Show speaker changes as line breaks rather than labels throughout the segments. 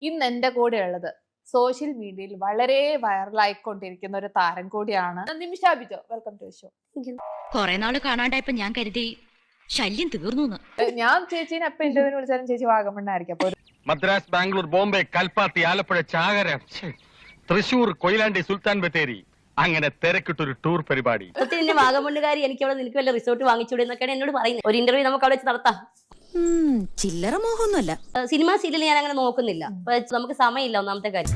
ഇന്ന് എന്റെ കൂടെ ഉള്ളത് സോഷ്യൽ മീഡിയയിൽ വളരെ വൈറലായിക്കൊണ്ടിരിക്കുന്ന ഒരു താരം കൂടിയാണ് Nimisha Bijo. Welcome to show.
കൊറേ നാള് കാണാണ്ടായപ്പോ ഞാൻ കരുതി ശല്യം തീർന്നു.
ഞാൻ ചേച്ചീനെ എപ്പോ ഇന്റർവ്യൂവിന് വിളിച്ചാലും ചേച്ചി വാഗമണ്ണായിരിക്കും. അപ്പൊ
മദ്രാസ്, ബാംഗ്ലൂർ, ബോംബെ, കൽപ്പാത്തി, ആലപ്പുഴ, ചാകര, തൃശൂർ, കൊയിലാണ്ടി, സുൽത്താൻ ബത്തേരി, അങ്ങനെ തിരക്കിട്ടൊരു ടൂർ പരിപാടി.
വാഗമണ്ണുകാരി എനിക്ക് അവിടെ നിനക്ക് വല്ല റിസോർട്ട് വാങ്ങിച്ചൂടെ എന്നൊക്കെയാണ് എന്നോട് പറയുന്നത്. ഒരു ഇന്റർവ്യൂ നമുക്ക് അവിടെ വെച്ച് നടത്താം.
ചില്ലറ മോഹമൊന്നുമല്ല.
സിനിമ സീരിയൽ ഞാൻ അങ്ങനെ നോക്കുന്നില്ല. നമുക്ക് സമയമില്ല. ഒന്നാമത്തെ കാര്യം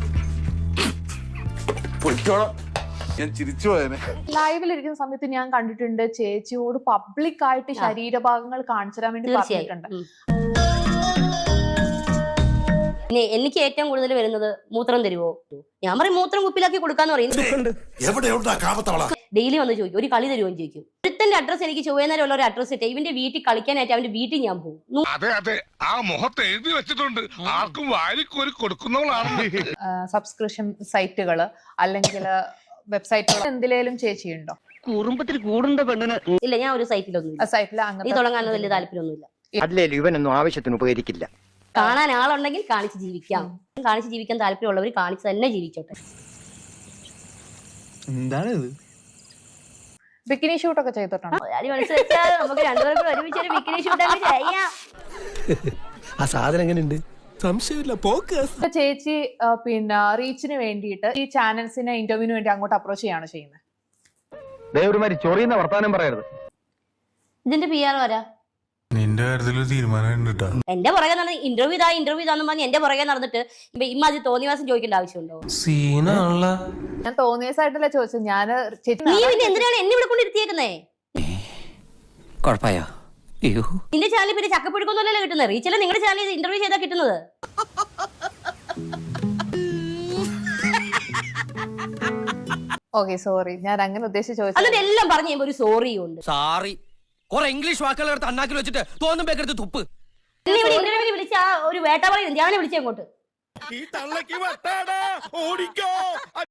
ഞാൻ ചിരിച്ചു പോയനെ.
ലൈവിലിരിക്കുന്ന സമയത്ത് ഞാൻ കണ്ടിട്ടുണ്ട് ചേച്ചിയോട് പബ്ലിക് ആയിട്ട് ശരീരഭാഗങ്ങൾ കാണിച്ചു തരാൻ വേണ്ടി പറഞ്ഞിട്ടുണ്ട്.
പിന്നെ എനിക്ക് ഏറ്റവും കൂടുതൽ വരുന്നത് മൂത്രം തരുവോ, ഞാൻ പറയും മൂത്രം കുപ്പിലാക്കി കൊടുക്കാന്ന് പറയും. ഡെയിലി വന്ന് ചോദിക്കും ഒരു കളി തരുമോ എന്ന് ചോദിക്കും. ഒരുത്തന്റെ അഡ്രസ് എനിക്ക് ചൊവ്വേന്നേരം ഉള്ള ഒരു അഡ്രസ് ഇട്ട് ഇവന്റെ വീട്ടിൽ കളിക്കാനായിട്ട് അവന്റെ വീട്ടിൽ ഞാൻ പോകും.
അതെ അതെ, ആ മുഖത്ത് എഴുതി വെച്ചിട്ടുണ്ട്, ആർക്കും വാരിക്കോരി കൊടുക്കുന്നവളാണ്.
സബ്സ്ക്രിപ്ഷൻ സൈറ്റുകള് അല്ലെങ്കിൽ വെബ്സൈറ്റുകൾ എന്തിലേലും ചേച്ചിയുണ്ടോ?
കുറുമ്പത്തിൽ കൂടുണ്ട പെണ്ണിന്
ഇല്ല, ഞാൻ ഒരു സൈറ്റിലൊന്നും
സൈറ്റിൽ
നീ
അങ്ങനെ
തുടങ്ങാൻ വലിയ താല്പര്യമൊന്നുമില്ല.
അല്ലേലും ഇവനൊന്നും ആവശ്യത്തിന് ഉപകരിക്കില്ല.
കാണാൻ ആളുണ്ടെങ്കിൽ കാണിച്ച് ജീവിക്കാം. കാണിച്ച് ജീവിക്കാൻ താല്പര്യമുള്ളവർ കാണിച്ച് തന്നെ ജീവിച്ചോട്ടെ.
എന്താണിത്?
ബിക്കിനി ഷൂട്ടൊക്കെ ചെയ്തിട്ടുണ്ടോ?
നമുക്ക് രണ്ടുപേർക്കും ഒരുമിച്ച് ഒരു ബിക്കിനി ഷൂട്ടൊക്കെ ചെയ്യാം.
ആ സാധനം എങ്ങനെയുണ്ട്? സംശയമില്ല, പോക്ക്.
ചേച്ചി പിന്നെ റീച്ചിന് വേണ്ടിയിട്ട് ഈ ചാനൽസിനെ ഇന്റർവ്യൂവിന് വേണ്ടി അങ്ങോട്ട് അപ്രോച്ച് ചെയ്യാണ് ചെയ്യുന്നത്.
ദേവരുമാരി ചൊറിയുന്ന വർത്താനം പറയരുത്.
ഇതിന്റെ PR വരാ
നിന്റെ കാര്യത്തിൽ തീരുമാനം
എന്റെ പുറകെ നടന്ന് ഇന്റർവ്യൂ ഇതാന്ന് പറഞ്ഞ് എന്റെ പുറകെ നടന്നിട്ട് ഇമ്മാതിരി തോന്നിവാസം ചോദിക്കേണ്ട ആവശ്യമുണ്ടോ?
സീനാണല്ല.
ഞാൻ തോന്നിയസായിട്ടല്ല ചോദിച്ചത്. ഞാൻ
നീ പിന്നെ എന്തിനാണ് എന്നെ ഇവിടെ കൊണ്ടിരുത്തിയേക്കുന്നേ?
കുഴപ്പമായോ?
നിന്റെ ചാനൽ പിന്നെ ചക്കപ്പുഴുക്കൊന്നുമല്ലല്ലോ കിട്ടുന്നത്. റീച്ചല്ലേ നിങ്ങളുടെ ചാനൽ ഇന്റർവ്യൂ ചെയ്താ കിട്ടുന്നത്.
ഓക്കെ, സോറി, ഞാൻ അങ്ങനെ ഉദ്ദേശിച്ച് ചോദിച്ചു.
എന്നിട്ട് എല്ലാം പറഞ്ഞു കഴിയുമ്പോ ഒരു സോറി ഉണ്ട്.
സോറി. കുറെ ഇംഗ്ലീഷ് വാക്കുകൾ എടുത്ത് അണ്ണാക്കിൽ വെച്ചിട്ട് തോന്നും പേക്കെടുത്ത് തുപ്പ്.
എന്നെ ഇവിടെ ഇന്റർവ്യൂവിന് വിളിച്ച ആ ഒരു വേട്ട പറയുന്നത് ഞാൻ വിളിച്ചേ അങ്ങോട്ട്.
ഈ തള്ളക്ക് വട്ടാടാ, ഓടിക്കോ.